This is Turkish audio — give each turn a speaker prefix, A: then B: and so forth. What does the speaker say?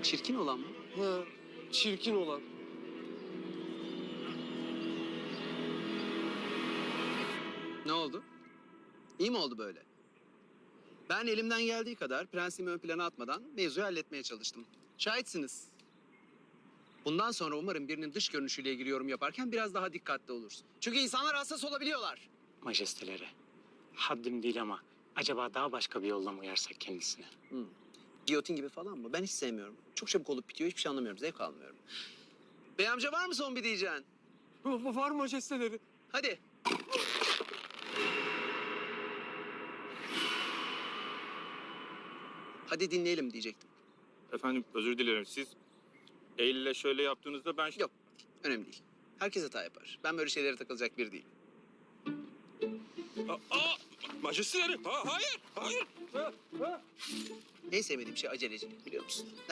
A: Çirkin olan mı?
B: Ha, çirkin olan.
A: Ne oldu? İyi mi oldu böyle? Ben elimden geldiği kadar prensimi ön plana atmadan mevzuyu halletmeye çalıştım. Şahitsiniz. Bundan sonra umarım birinin dış görünüşüyle ilgili yorum yaparken biraz daha dikkatli olursun. Çünkü insanlar hassas olabiliyorlar.
C: Majesteleri, haddim değil ama acaba daha başka bir yolla mı uyarsak kendisine?
A: Giyotin gibi falan mı? Ben hiç sevmiyorum. Çok çabuk olup bitiyor. Hiçbir şey anlamıyorum. Zevk almıyorum. Bey amca var mı son bir diyeceğin?
B: Var majesteleri.
A: Hadi. Hadi dinleyelim diyecektim.
D: Efendim özür dilerim siz elle şöyle yaptığınızda ben...
A: Yok. Önemli değil. Herkes hata yapar. Ben böyle şeylere takılacak biri değilim.
D: Majesteleri hayır hayır.
A: En sevmediğim şey acelecilik biliyor musun?